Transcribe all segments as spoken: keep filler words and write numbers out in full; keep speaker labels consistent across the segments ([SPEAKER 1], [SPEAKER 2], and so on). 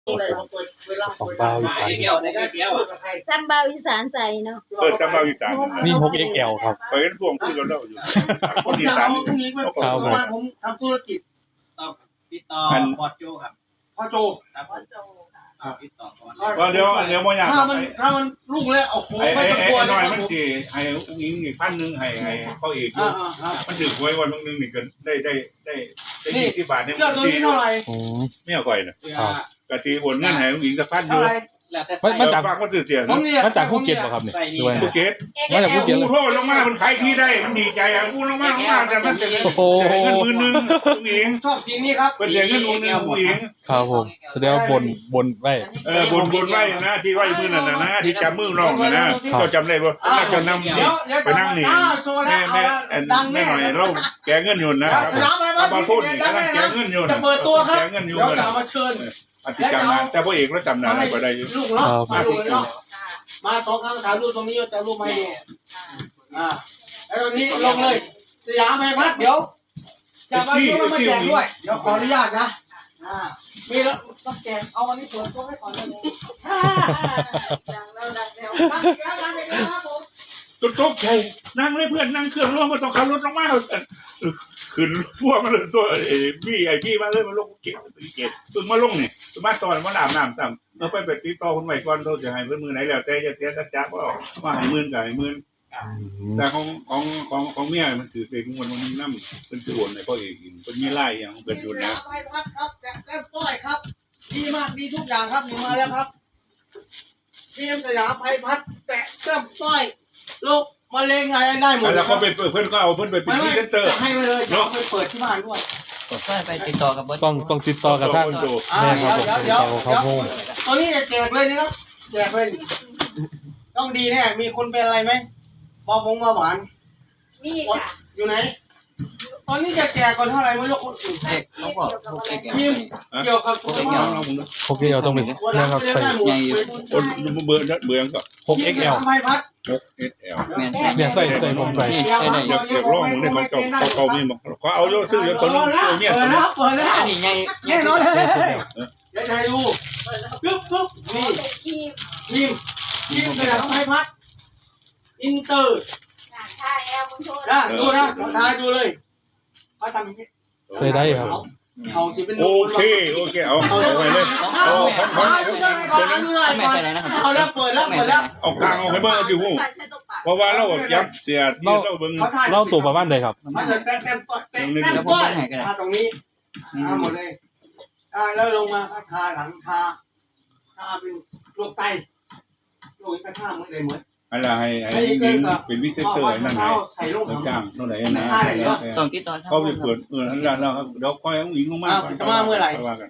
[SPEAKER 1] สองบาวิสาน
[SPEAKER 2] ซัมบาวิสานใจเนาะ
[SPEAKER 3] เปิดซัมบาวิสาน
[SPEAKER 1] นี่ หก เอ็กซ์ แอล ครับ
[SPEAKER 3] เปิดพวงคุยกันแล้วอยู่คนอีสาน
[SPEAKER 4] พรุ่งนี้ผมผมทำธุรกิจ
[SPEAKER 5] ติดต่อพอโจครับ
[SPEAKER 4] พ่อโจ
[SPEAKER 5] ครับพ่อโจติดต่อก่อน
[SPEAKER 3] ว่าเดี๋ยวเดี๋ยวบ่อยาก
[SPEAKER 4] ถ้ามันถ้ามันรุ่งแล้วโอ้โห
[SPEAKER 3] ไอ้
[SPEAKER 4] ไม่ต้องกลัว
[SPEAKER 3] ไอ้น้อยมันสิให้อุ้งอิงอีกพันนึงให้ให้เขาเอกมันถือหวยวันนึงนี่ก็ได้ได้ได้ได้ยี่สิบบาทเนี่ย
[SPEAKER 4] เจ้าตัวนี้เท่าไหร่
[SPEAKER 3] ไม่เอาก่อยนะกะทิโอนเงินให้อุ้งอิงสักพันอยู่
[SPEAKER 1] มาจาก
[SPEAKER 3] ฝากมาซื้อเสียง
[SPEAKER 1] มาจากภูเก็ตป่ะครับเนี่ยด้วย
[SPEAKER 3] ภูเก็ต
[SPEAKER 1] มาจากภูเก็ต
[SPEAKER 3] เลยโทษลงมามันขายที่ได้มันดีใจอ่ะพูดลงมาลงมาแต่มันจะเงินหมื่นนึงอุ้งอิง
[SPEAKER 4] ชอบสีนี้ครับ
[SPEAKER 3] เป็นเสียเงินอุ้งอิงอุ้งอิง
[SPEAKER 1] ครับผมแสดงว่าบนบนไว้
[SPEAKER 3] เออบนบนไว้นะที่ไว้มือนั่นนะที่จับมือน้องนะเราจำได้ว่าน่าจะนำไปนั่งนี่แม่แม่แม่หน่อยเราแกเงินอยู่นะมาพูดนี่กำลังแกเงินอยู่
[SPEAKER 4] จะเปิดตัวครับ
[SPEAKER 3] แกเงินอยู่
[SPEAKER 4] เดี๋ยวจะมาเชิญ
[SPEAKER 3] อธิการนะแต่พ่อเอกเราจำนานก็ได้อยู่
[SPEAKER 4] ลูกเนาะมาลูกเนาะมาสองครั้งถามลูกตรงนี้จะลูกไม่อ่าแล้วตรงนี้ลงเลยสยามแม่พัดเดี๋ยวจะมาช่วยมาแจกด้วยเดี๋ยวขออนุญาตนะอ่ามีแล้วต้องแจกเอาอันนี้เปิดตัวให้ก่อนเลยดังแล้วดังแล้วดังแล้วดังแล้วครับผม
[SPEAKER 3] ตุ๊กตุ๊กใช่นั่งเลยเพื่อนนั่งเครื่องร่วมมาต้องขับรถลงมาขึ้นพวกมาเลยตัวไอ้พี่ไอ้พี่มาเลยมาลงเก็บเก็บตึงมาลงนี่ตึงมาตอนมาอาบน้ำซ้ำเราไปไปติดต่อคนใหม่ก่อนเขาจะให้เพื่อนมือไหนแล้วแต่จะเสียจับว่าว่าให้มื่นกับให้มื่นแต่ของของของของเมียมันถือเป็นคนมันน้ำเป็นส่วนในพ่อเอกเป็นมีไล่อย่างเป็นอยู่นะ
[SPEAKER 4] ไปพัดครับแก้มต้อยครับดีมากดีทุกอย่างครับมีมาแล้วครับทีมสยามไพพัดแตะแก้มต้อยลูกมาเล่นอะไรได้หมด
[SPEAKER 3] แล้วเขาไปเพื่อนก็เอาเพื่อนไปเป็นพรีเซนเตอร์
[SPEAKER 4] ให้มาเลยเนาะไปเปิดที่บ้านด้วย
[SPEAKER 5] ไปติดต่อกับ
[SPEAKER 1] ต้องต้องติดต่อกับท่านแม่ครับผมติดต่อเขาโฮม
[SPEAKER 4] ตอนนี้จะแจกเลยนะครับแจกเลยต้องดีแน่มีคนเป็นอะไรไหมบอมงมาหวาน
[SPEAKER 2] นี่ค่ะ
[SPEAKER 4] อยู่ไหนตอนนี้จะแจกก่อนเท่าไหร่ไม่รู้คนอื่น
[SPEAKER 5] เด็กเขาบอก
[SPEAKER 4] ทีมเกี่ยวกับ
[SPEAKER 1] โอเคเอาต้องไปนะครับใส่
[SPEAKER 3] คนเบื่อเบื่อก็
[SPEAKER 1] หก เอ็กซ์ แอล
[SPEAKER 4] ไพพัด
[SPEAKER 3] หก เอ็กซ์ แอล
[SPEAKER 1] เนี่ยใส่ใส่ผมใส่
[SPEAKER 3] เดี๋ยวเดี๋ยวลองมึงได้ของเก่าเก่ามีมั้งเขาเอาโยซื้อตัวนึงตัวเนี้ย
[SPEAKER 4] เปิดแล้วเปิดแล้ว
[SPEAKER 5] นี่ไง
[SPEAKER 4] แน่นอนเลยเดี๋ยวใจดูปึ๊บปึ๊บนี่ทีมทีมทีมสยามไพพัดอินเตอร์
[SPEAKER 2] ใช่แอลมึงโทษ
[SPEAKER 4] นะดูนะทายดูเลยเขาทำอย่างนี้
[SPEAKER 1] ใส่ได้ครับ
[SPEAKER 4] เขาจะเป็น
[SPEAKER 3] โอเคโอเคเอาเอาไปเลยเอาของของ
[SPEAKER 5] ไม่ใช่นะครับ
[SPEAKER 4] เอาแล้วเปิดแล้วเปิดแล้ว
[SPEAKER 3] เอากลางเอาให้เบิ้งเอาจิ๋วเพราะว่าเรายับเสียที่เราเบิ้ง
[SPEAKER 1] เล่าตัวประมาณใดครับ
[SPEAKER 4] มันจะแต้มแต้มแต้มแต้มก้อยทาตรงนี้ทาหมดเลยทาแล้วลงมาทาหลังทาทาเป็นโรคไตโรคกระท่าเหมือนเลยเหมือน
[SPEAKER 3] อะไรให้ให้เป็นวิเศษเตอร์นั่นไงต้องจ้างเท่าไหร่นะ
[SPEAKER 5] ต้องติดต่อ
[SPEAKER 3] เขาจะเปิดเออนั่นแหละเราเดี๋ยวคอยเอาหญิงลงมา
[SPEAKER 4] จะมาเมื่อไหร่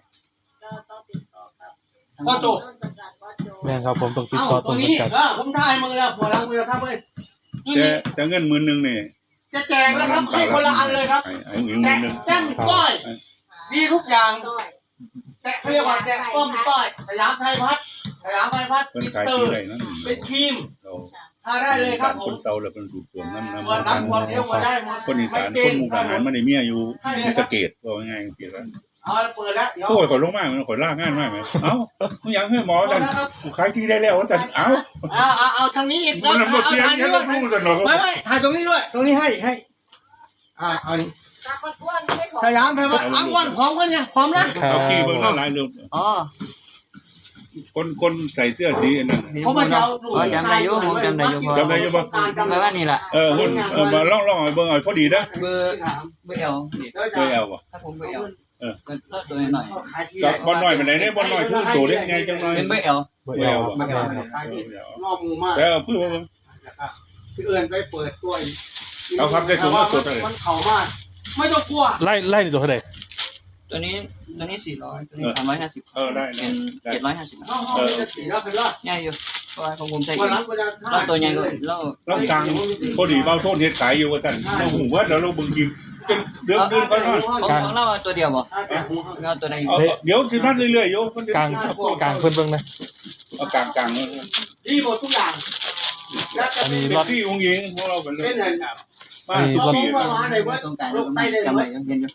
[SPEAKER 4] พ่อโจ
[SPEAKER 1] แม่ครับผมต้องติดต่อตรง
[SPEAKER 4] นี้ผมถ่ายมือแล้วหัวล้างมือแล้วครับเว้ย
[SPEAKER 3] จะจะเงินหมื่นหนึ่งนี่
[SPEAKER 4] จะแจกแล้วครับให้คนละอันเลยครับแตะแต้มก้อยดีทุกอย่างแตะเรียกว่าแตะต้มก้อยสยามไทยพัฒน์สยามไทยพัฒน์อินเตอร์เป็นครีมทาได้เลยครับผม
[SPEAKER 3] คนเซาแล้วเป็นสูตรส่วนน้ำน้ำ
[SPEAKER 4] วันน้ำวันเดียวมาได้
[SPEAKER 3] คนอีสานคนมุกดาหารไม่ได้เมียอยู่ในตะเกียบว่าง่ายเกียรติ
[SPEAKER 4] เอาเปิดแล้ว
[SPEAKER 3] โอ้ยขอลงมากมันขอล่างง่ายมากไหมเอ้ามึงยังให้หมอจันขายที่ได้แล้วจันเอ้า
[SPEAKER 4] เอาเอาเอาทางนี้อีก
[SPEAKER 3] แล้วเอาทางนี้ด้วย
[SPEAKER 4] ไม่ไม่ถ่ายตรงนี้ด้วยตรงนี้ให้ให้อ่าเอานี่สยามไปว่าอ้วนพร้อมกันเนี่ยพร้อมนะ
[SPEAKER 3] เอาขี้เบิ้งหน้าลายเร็ว
[SPEAKER 5] อ๋อ
[SPEAKER 3] คนคนใส่เสื้อสีนั่น
[SPEAKER 4] ผมมาเจ้า
[SPEAKER 5] จำได้ยุ่ผมจำได้ยุ่
[SPEAKER 3] จำได้ยุ่ป่ะ
[SPEAKER 5] จำได้ว่านี่แหละ
[SPEAKER 3] เออคนเออมาล่องล่องเบิ้งหน่อยพอดีนะ
[SPEAKER 5] เบอร์เบอร์เอล
[SPEAKER 3] เบอร์เอลป่ะ
[SPEAKER 5] ถ้าผมเบอร์เอลเออก็ตัวหน่อย
[SPEAKER 3] กับบอลหน่อยไปไหนเนี่ยบอลหน่อยทุ่งตัวได้ไงจังหน่อย
[SPEAKER 5] เป็นเบอร์เอล
[SPEAKER 1] เบอร์เอล
[SPEAKER 4] งอมูมาก
[SPEAKER 3] แล้วเพื่อ
[SPEAKER 4] ที่เอื่นไปเปิดตัวอีก
[SPEAKER 3] เอาครับได้สูงสุดเลย
[SPEAKER 4] มันเข่ามากไม่ต้องกลัว
[SPEAKER 1] ไล่ไล่ตัวเท่าไหร่
[SPEAKER 5] ตัวนี้ตัวนี้สี่ร้อยตัวนี้สามร้อยห้าสิบ
[SPEAKER 3] เออได้
[SPEAKER 5] เป็นเจ็ดร้อยห้าสิบ
[SPEAKER 4] เออสี่ร้อยเป็นร้อย
[SPEAKER 5] ง่ายอยู่เพราะว่าของผมใช้เราตัวใหญ่ก็เรา
[SPEAKER 3] เราสั่งพอดีเบาโทษเฮ็ดขายอยู่ว่าท่านเราหูว่าแล้วเราบึงกินจนเดือดเดือดก็นอน
[SPEAKER 5] ของของเราตัวเดียวบ่เราตัวไหน
[SPEAKER 3] เดี๋ยวสิพัดเรื่อยๆโย
[SPEAKER 1] กลางกลางเพิ่นเบิ่งนะ
[SPEAKER 3] เอากลางกลาง
[SPEAKER 4] ดีหมดทุกอย่าง
[SPEAKER 1] อันนี้
[SPEAKER 3] รถที่องค์หญิงของเราเป็นเลย
[SPEAKER 4] เป็นไง
[SPEAKER 3] มา
[SPEAKER 1] สุดปี
[SPEAKER 4] มาไหนว่า
[SPEAKER 5] สงการจำได้ยังเห็นอยู่
[SPEAKER 4] อ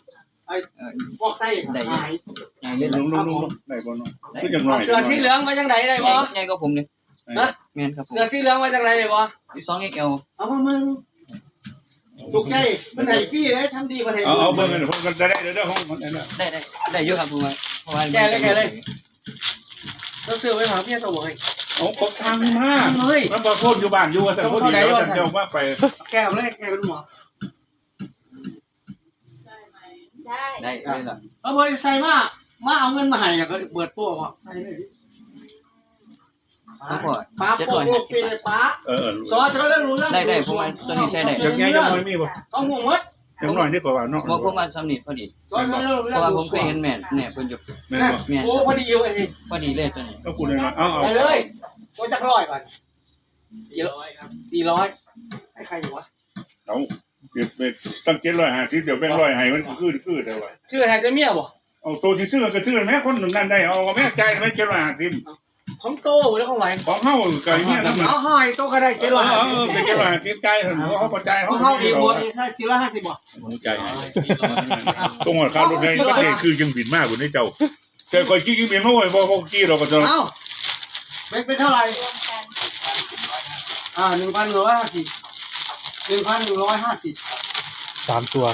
[SPEAKER 4] พวกไต้หาย
[SPEAKER 5] ใหญ่เลย
[SPEAKER 3] ลุ
[SPEAKER 5] ล่ะ
[SPEAKER 3] งลุงลุงได้บ่เนาะคือจังหน่อย
[SPEAKER 4] เสือสีเหลืองมาจากไหนได้
[SPEAKER 5] ให
[SPEAKER 4] บ่
[SPEAKER 5] ญ่ใหญ่กว่าผมเลยนะแม่นครับผม
[SPEAKER 4] เสือสีเหลืองมาจากไหนได้บ่
[SPEAKER 5] อีสองเอ็กซ์แอล
[SPEAKER 4] เอามามึงถูกใจมันไหนพี่เลยทำดีมาไหน
[SPEAKER 3] เอาเอาเบิ่งกันผมก็จะได้เด้อของมันนั่นน่ะ
[SPEAKER 5] ได้ได้ได้เยอะครับผมเพราะว่า
[SPEAKER 4] แกเลยแกเลยต้องซื้อไว้หาพี่ตัวให้
[SPEAKER 3] เอาเขาทางมา
[SPEAKER 4] เฮ้ย
[SPEAKER 3] มันบ่พ้นอยู่บ้านอยู่ว่าแต่พอดีแล้วเจ้ามาไป
[SPEAKER 4] แกมาเลยแกเป็นหมอ
[SPEAKER 2] ได้
[SPEAKER 5] ได้ได้ล่ะ
[SPEAKER 4] เอาไปใส่มามาเอาเงินมาให้แล้วก็เปิดตัวว่าใส่เลย
[SPEAKER 5] ครับพ่อ
[SPEAKER 4] ป้าโป๊กปีเลยป้า
[SPEAKER 3] เออ
[SPEAKER 4] ซอสจะได้รู้เรื่อง
[SPEAKER 5] ได้ได้ผมว่าตัวนี้ใช้ได้
[SPEAKER 3] จังไงจังน้อยมีบ่
[SPEAKER 4] ต้องห่วงมัด
[SPEAKER 3] จังน้อยนี่ก็ว่าเนาะ
[SPEAKER 5] บอกผมว่าสำนิทพอดี
[SPEAKER 4] ซอสจะได้รู้
[SPEAKER 5] เพ
[SPEAKER 4] เรื่อ
[SPEAKER 5] ราะ
[SPEAKER 4] ง
[SPEAKER 5] ว่าผมเคยเห็นแม่เนี่ยเพิ่นอยู่
[SPEAKER 3] แม่นบ่
[SPEAKER 5] แม่น
[SPEAKER 4] โอ้พอดีอยู่ไอ้นี่
[SPEAKER 5] พอดีเลยตัวนี้
[SPEAKER 3] ก็พูดเลยว่าเอาเอา
[SPEAKER 4] ไปเลยตัวจักร้อยก่อนสี่ร้อยครับสี่ร้อยให้ใครอยู่วะ
[SPEAKER 3] เอาเดี๋ยวไปตั้งเจ็ดร้อยห้าสิบเดี๋ยวแบ่งร้อยให้มันคือคือได้ว่า
[SPEAKER 4] ชื่อไทยจะเมียบ่
[SPEAKER 3] เอาตัวที่ซื้อก็ซื้อแม่คนหนึ่งนั่นได้เอาแม่ใจแม่เจ็ดร้อยห้าสิบ
[SPEAKER 4] ของโตแล้วของไหว
[SPEAKER 3] ของเฮาก็อย่างเงี้ยนะมัน
[SPEAKER 4] เอาหอยโตก็ได้เจ็ดร้อย
[SPEAKER 3] เออเออเป็นเจ็ดร้อยห้าสิบใจเถอะเขาพอใจ
[SPEAKER 4] ข
[SPEAKER 3] เขา
[SPEAKER 4] องเขาอีกหมดถ้าสี่ร้อยห้าสิบบ่
[SPEAKER 3] ใจตรงหัวข้าวรถในประเทศคือยังบินมากกว่านี้เจ้าแต่คอยกี้ยังบินมาบ่อยบ่บ่กี้เราก็จะ
[SPEAKER 4] เอ้าเป็นเป็นเท่าไหร่
[SPEAKER 2] รวมกัน
[SPEAKER 4] อ่าหนึ่งพันหนึ่งร้อยห้าสิบหนึ่งพันหนึ่งร้อยห้าสิบ
[SPEAKER 1] สามตัว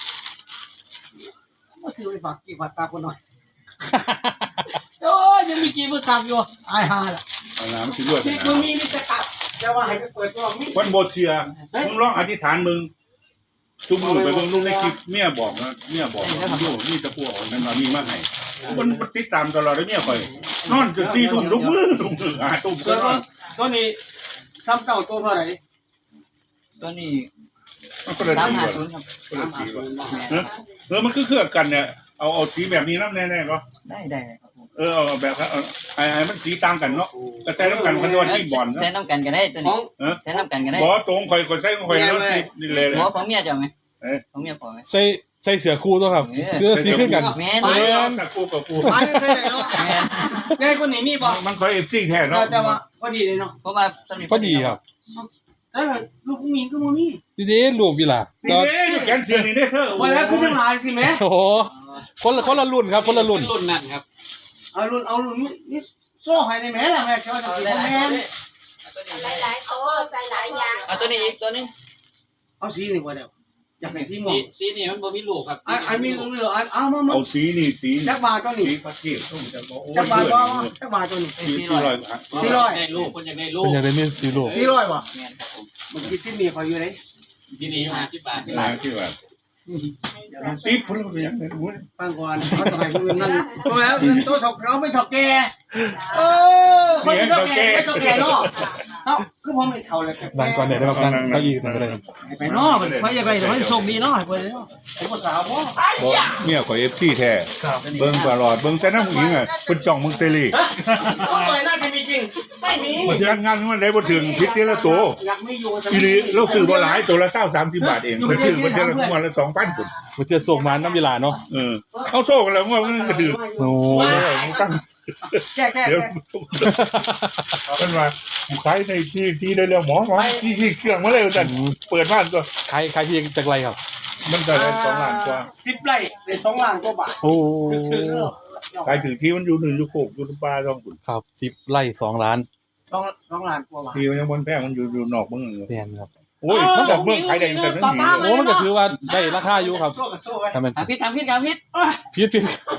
[SPEAKER 4] ก็ซื้อไปฝากกี่ฝากตาคนหน่อยโอ้ยยังมีกี่มือตามอยู่ไอ้ห่าล่ะ
[SPEAKER 3] เอาน้ำสิด้วย
[SPEAKER 4] ที่มึงมีมิตรตับแต่ว่าให้ก็เปิดตัวมี
[SPEAKER 3] วันบ่เสียมึงร้องอธิษฐานมึงทุกมือไปเบิ่งลูกในคลิปเมียบอกนะเมียบอกว่าอยู่นี่ตะกั่วนั่นมามีมาให้มันติดตามตลอดเลยเมียข่อยนอนจนสี่ทุ่มลุกมือลุกมืออ่าทุ่ม
[SPEAKER 4] ตั
[SPEAKER 3] ก็
[SPEAKER 4] วน
[SPEAKER 3] อน
[SPEAKER 4] ตัวนี้ทำเก่าตัวเท่าไหร่
[SPEAKER 5] ตัวนี้
[SPEAKER 3] มันก็เลย
[SPEAKER 5] สาม
[SPEAKER 3] ตี
[SPEAKER 5] ห้า
[SPEAKER 3] ว่า
[SPEAKER 5] ศูนย์ครับ
[SPEAKER 3] ก็เลยตีว่าเออมันคือเครื่องกันเนี่ยเอาเอาสีแบบนี้น้ำแน่ๆก็
[SPEAKER 5] ได้ได้ครับผม
[SPEAKER 3] เออเอาแบบไอ้ไอ้มันสีต่างกันเนาะกระจายน้ำกันมันว่าที่บอล
[SPEAKER 5] แซนน้ำกันก็ได้ตัว
[SPEAKER 4] ขอ
[SPEAKER 5] นี้
[SPEAKER 4] ง
[SPEAKER 5] แซนน้ำกันก็ได้
[SPEAKER 3] บอตรงคอยคอยใส่คอยแล้วนี่เลย
[SPEAKER 5] หัวของเมียเจ้าไหมของเมียพอไหม
[SPEAKER 1] ใส่ใส่เสือคู่ตัวครับเสื้อสีขึ้นกัน
[SPEAKER 5] แม่น
[SPEAKER 3] ไปกับกูกับกู
[SPEAKER 4] ไปใช่เลยเนาะง่ายคนนี้มีบ่
[SPEAKER 3] มันคอยเอฟซีแท้เนาะ
[SPEAKER 4] แต่ว่าพอดีเลยเนาะ
[SPEAKER 5] เพราะว่าสำนิท
[SPEAKER 1] พอดีครับ
[SPEAKER 4] แต่ลูกมีก็มี
[SPEAKER 1] ดีๆลูกวิลา
[SPEAKER 3] นี่
[SPEAKER 1] ก็
[SPEAKER 3] เด้แกนเสียนี่เด้เธอ
[SPEAKER 4] วันแล้วคือทั้งหลายสิแม่
[SPEAKER 1] โอ้โหคนละคนละรุ่นครับคนละรุ่น
[SPEAKER 5] รุ่นนั่นครับ
[SPEAKER 4] เอารุ่นเอารุ่นนี่โซ่ให้ในแม่ละแม่เขาจะสิแม่
[SPEAKER 2] หลายๆโต๊ะใส่หลายอย่าง
[SPEAKER 5] เอาตัวนี้อีกตัวนี้
[SPEAKER 4] เอาสีนี่กว่าเดียวอยากได้สีม่วง
[SPEAKER 5] สีนี่มันบ่มีลูกครับ
[SPEAKER 4] อันอันมีรุ่นเหรออันเอามามา
[SPEAKER 3] เอาสีนี่สี
[SPEAKER 4] จักบาทตัว
[SPEAKER 3] สี
[SPEAKER 4] นี้
[SPEAKER 3] ประเทศต้องจะบอกโอ้
[SPEAKER 4] จักบาท
[SPEAKER 3] ย
[SPEAKER 4] ก็จักบาทตัวนี้
[SPEAKER 3] สีสี่ร้อย
[SPEAKER 4] สี่ร้อย
[SPEAKER 5] ได้ลูกคนอยากได้ลู
[SPEAKER 1] เป็น
[SPEAKER 5] ก
[SPEAKER 1] อย่างไรนี่สีลูก
[SPEAKER 4] สี่ร้อยบ่
[SPEAKER 5] แม่นครับผม
[SPEAKER 4] มันคิดที่นี่คอยอยู่ไหน
[SPEAKER 5] ที่นี่ห้าสิบบาท
[SPEAKER 3] ล้างที่ว่าตีพุ่งไปอย่างนั้นวุ้น
[SPEAKER 4] ฟังก่อนเขาต้องให้ผู้อื่นนั่นเพราะแล้วตัวถกเราไม่ถกแกเออคนที่ถกแกไม่ถกแกเนาะเอ้าคือผมไม่เท่าเลย
[SPEAKER 1] นั่งก่อนเนี่ยได้ครับนั่งเก้าอี้นั่งก็ได้
[SPEAKER 4] ไปเนาะไปอย่าไปเดี๋ยวให้ส่งดีเนาะไปเลยเนาะไอ้ภาษาบ่
[SPEAKER 3] เมียข่อยเอฟซีแท้เบิ่งตลอดเบิ่งแต่น้ำผู้หญิงอ่ะเพิ่นจ้องมึงเตลี่
[SPEAKER 4] ก็เลยน่าจะมีจริงไม่มี
[SPEAKER 3] มันสิรักงานมันได้บ่ถึงพิษทีละตัว
[SPEAKER 4] อยากไม่อยู่
[SPEAKER 3] อีหลีเราซื้อบ่หลายตัวละเก้าสามสิบบาทเองไปซื้อมันเดือนละวันละสองพันพุ่น
[SPEAKER 1] มันจะส่งมาน้ำเวลาเนาะ
[SPEAKER 3] เออเอาโซ่กันแล้วว่ามันกระดือ
[SPEAKER 1] โอ้
[SPEAKER 3] โอ้ยมึงตั้ง
[SPEAKER 4] แก้แก้
[SPEAKER 3] เดี๋ยว
[SPEAKER 4] แก้
[SPEAKER 3] มันมากูขายในที่ที่ได้แล้วหมอหมอที่ที่เครื่องมาเลยจันเปิดบ้านตัว
[SPEAKER 1] ใครใครที่จากไรครับ
[SPEAKER 3] มันจะได้สองล้านกว่า
[SPEAKER 4] สิบไร่ได้สองล้านกว่าบาท
[SPEAKER 1] โอ้
[SPEAKER 3] ขายถึงที่มันอยู่หนึ่งอยู่โคกอยู่ป่าท้องคุณ
[SPEAKER 1] ครับสิบไร่สองล้าน
[SPEAKER 4] สองสองล้านกว่าบาท
[SPEAKER 3] ที่มันยังบนแพงมันอยู่อยู่นอกเมือง
[SPEAKER 1] แพงครับ
[SPEAKER 3] โอ้ยมันจากเมืองขายได้แต่นั่นนี่
[SPEAKER 1] โอ้มันก็ถือว่าได้ราคาอยู่ครับ
[SPEAKER 4] โซ่กับโซ่ไว้
[SPEAKER 1] ทำเป็น
[SPEAKER 5] ทำพิษทำพิษทำพิษ
[SPEAKER 1] พีดพีด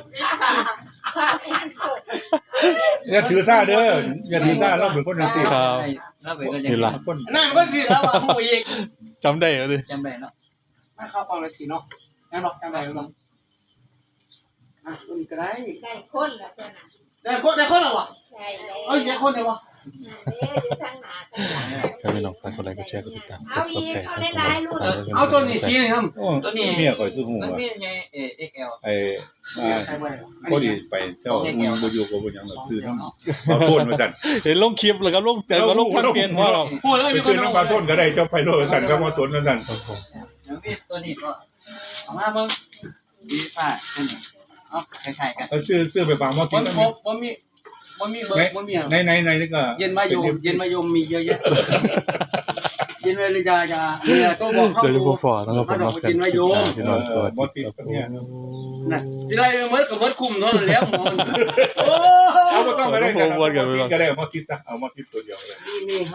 [SPEAKER 3] อย่าถือซ่าเด้ออย่าถือซ่าเราเป็นคนนั่นสิ
[SPEAKER 1] ครับ
[SPEAKER 5] แล้วไปก็
[SPEAKER 1] เห็นละ
[SPEAKER 3] คน
[SPEAKER 4] นั่นก็สิแล้วว่าผู้อีก
[SPEAKER 1] จำได้เลย
[SPEAKER 5] จำได้เนาะ
[SPEAKER 4] มาเข้าปองเลยสิเนาะงั้นบอกจำได้หรือเปล่าอ่ะมันก็ได้
[SPEAKER 2] ได้คนละเจ้าน่ะ
[SPEAKER 4] ได้คนได้คนแล้ววะ
[SPEAKER 2] ใช่แล้ว
[SPEAKER 4] เอ้ยได้คนเลยวะ
[SPEAKER 2] เดี๋ยวอยู่ทางหน้าทางหลัง
[SPEAKER 1] ถ้าไม่ลองฝากกดไลค์กดแชร์กดติดตามกดซับสไครต์ให้ช่องเรา
[SPEAKER 4] เอาตัวนี้สีหนึงครับ
[SPEAKER 5] ตัวนี้
[SPEAKER 3] เมียข่อยคือหู
[SPEAKER 5] มัน
[SPEAKER 3] ว่า
[SPEAKER 5] มีไงเอเอ็กแอล
[SPEAKER 3] ไอ้อ่า
[SPEAKER 4] ใช่ไหม
[SPEAKER 3] พอดีไปเจ้ามึงบ่อยู่กับบ่ยังแบบคือน้ำบาโทนมาจัน
[SPEAKER 1] เห็นลงคลิปแล้วก็ลงเจอก็ลงพันเปลี่ยนว่าเรา
[SPEAKER 4] พูดเลย
[SPEAKER 3] ไป
[SPEAKER 4] มีค
[SPEAKER 3] ซื้อน น้ำบาโทนก็ได้เจ้าไพโรจน์จันก็มาสนนั่นนั่น
[SPEAKER 1] ครับผม
[SPEAKER 5] แล้วมีตัวนี้ก็
[SPEAKER 4] เอามาเบิ่ง
[SPEAKER 5] ดีฟ้าตัวนี้เอาคล้ายๆกัน
[SPEAKER 3] เอาซื้อซื้อไปฟังว่า
[SPEAKER 4] บ่
[SPEAKER 3] กิน
[SPEAKER 4] มี
[SPEAKER 3] แล้ว
[SPEAKER 4] บ่มีบ่มีเบิร์บ่มี
[SPEAKER 3] ในในในนี่ก็
[SPEAKER 4] เย็นมายมเย็นมายมมีเยอะแยะกินไว้เลยจะจะเนี่ยตัวบอกเขา
[SPEAKER 1] เดี๋ยวจะพบฝอนะครับผม
[SPEAKER 4] เขา
[SPEAKER 1] เนาะ
[SPEAKER 4] ไป
[SPEAKER 1] กัน
[SPEAKER 4] กินไว้โยม
[SPEAKER 1] พี่น้องสวัส
[SPEAKER 3] บอ
[SPEAKER 1] ดี
[SPEAKER 3] ติด
[SPEAKER 1] ครับ
[SPEAKER 3] กับเนี่ย
[SPEAKER 4] นะทีไรเมื่อกับเมื่อคุมเท่านั้นแล้วหมอโอ้
[SPEAKER 3] เอาไม่ต้องไปได้กันเอามาคิดก็ได้เอามาคิดตัวเดียวเลย
[SPEAKER 4] นี่นี่